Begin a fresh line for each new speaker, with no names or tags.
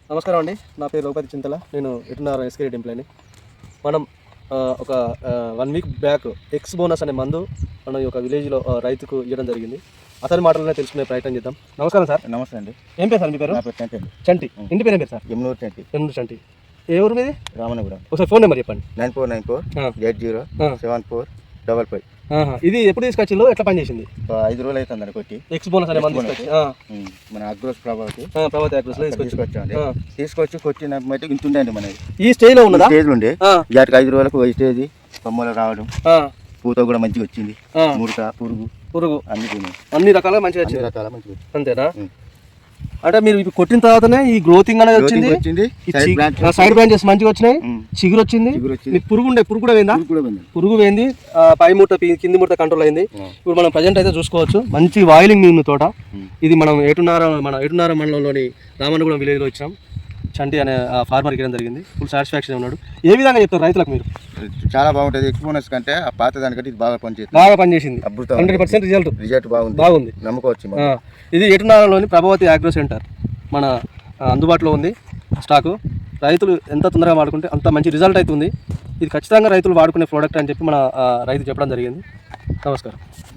నమస్కారం అండి, నా పేరు రఘుపతి చింతల. నేను ఎటున్నారు ఎస్కే ఎంప్లాయీని. మనం ఒక 1 వీక్ బ్యాక్ ఎక్స్ బోనస్ అనే మందు మన యొక్క విలేజ్లో రైతుకు ఇవ్వడం జరిగింది. అతని మాటలనే తెలుసుకునే ప్రయత్నం చేద్దాం. నమస్కారం సార్.
నమస్తే అండి.
ఏం పేరు సార్ మీ పేరు?
నా పేరు చంటి.
చంటి. ఇంటి పేరు ఏం పేరు సార్?
ఎమ్నూరు చంటి.
ఎమ్నూరు చంటి. ఏ ఊరు మీది?
రామనగూడెం.
ఒకసారి ఫోన్ నెంబర్ చెప్పండి.
9494807455.
ఇది ఎప్పుడు తీసుకొచ్చిందో, ఎట్లా పనిచేసింది?
5 రోజులు అవుతుంది కొట్టి.
ఎక్స్ బోనస్ అనే మందు తీసుకొచ్చి
మన అగ్రోస్ ప్రభావతి
అగ్రోస్లో
తీసుకొచ్చి కొట్టిన మట్టి ఇంతుండే అండి మనది.
ఈ స్టేజ్ లో ఉన్నదా?
స్టేజ్ ఉండే వాటికి 5 రోజులకు స్టేజ్ కొమ్మలు రావడం, పూత కూడా మంచిగా వచ్చింది, ముడత పురుగు అన్ని రకాలుగా మంచిగా వచ్చింది. అంతేనా? అంటే మీరు ఇప్పుడు కొట్టిన తర్వాతనే ఈ గ్రోతింగ్ అనేది వచ్చింది, సైడ్ బ్రాంచెస్ మంచిగా వచ్చినాయి, చిగురు వచ్చింది. పురుగు కూడా పోయిందా? పురుగు పోయింది, పై ముడత కింది ముడత కంట్రోల్ అయింది. ఇప్పుడు మనం ప్రజెంట్ అయితే చూసుకోవచ్చు, మంచి వాయిలింగ్ ఉంది తోట. ఇది మనం ఏటున్నార మండలంలోని రామన్నగూడెం విలేజ్లో ఇచ్చాం. చంటి అనే ఫార్మర్కి ఇవ్వడం జరిగింది. ఫుల్ సాటిస్ఫాక్షన్ ఉన్నాడు. ఏ విధంగా చెప్తారు రైతులకు మీరు? చాలా బాగుంటుంది. ఎక్కువ బోనస్ కంటే ఆ పాత దానికంటే ఇది బాగా పనిచేసింది.
100%
రిజల్ట్ బాగుంది, నమ్ముకోవచ్చు.
ఇది ఎటునారలోని ప్రభావతి అగ్రో సెంటర్ మన అందుబాటులో ఉంది స్టాకు. రైతులు ఎంత తొందరగా వాడుకుంటే అంత మంచి రిజల్ట్ అవుతుంది. ఇది ఖచ్చితంగా రైతులు వాడుకునే ప్రోడక్ట్ అని చెప్పి మన రైతు చెప్పడం జరిగింది. నమస్కారం.